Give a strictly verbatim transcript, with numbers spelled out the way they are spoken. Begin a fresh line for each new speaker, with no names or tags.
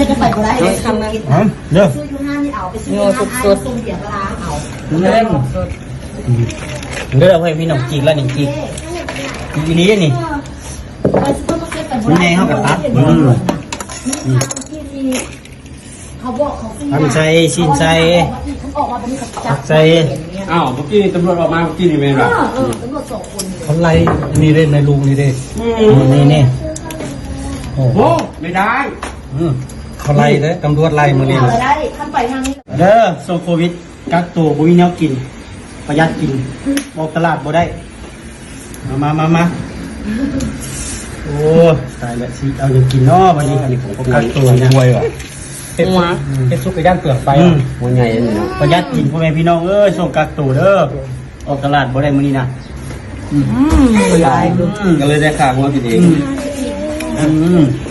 จะใส่ก็ได้ทำนะ
เด้อ
ซื้อยูห้านี่เอาไปซื้อยูห้าสดๆส่งเสียปลาเอา
เล่นเด้อเพื่อนพี่น้องจีกแล้วนี่จีกอีนี้นี่
ไปซื้อมาเซ็ตกันนี่ไงเขาแบบตัดอืมเขาบอกเขาซื้อ
ทำใส่ชินใส่
เขาออกมาเป็นกับจับ
ใส่
อ้าวเมื่อกี้ตำรวจออกมาเมื่อกี้นี่เป็นไร
เออตำรวจสองคน
เขาไล่นี่เล่นในลุงนี่เด้นี่นี่โอ้
โอ้ไม่ได้
เขาไล่เลยตำรวจไล่มานี่
ได้ทำไปทางนี้
เด้อโซโควิดกักตัวบ่มีแนวกินประหยัดกินออกตลาดบ่ได้มามามามาโอ้ตายแล้วสิเอาอย่างกินเนาะวันนี้อันนี้ผมก็กักตัวนะป่วยว่ะเฮ็ดเฮ็ดซุปไปย่างเปลือกไปหัวใหญ่ประหยัดกินพ่อแม่พี่น้องเอ้ยส่งกักตัวเด้อออกตลาดบ่ได้มื้อนี้นะอืมก็เลยได้ค่าหัวกินเองอืม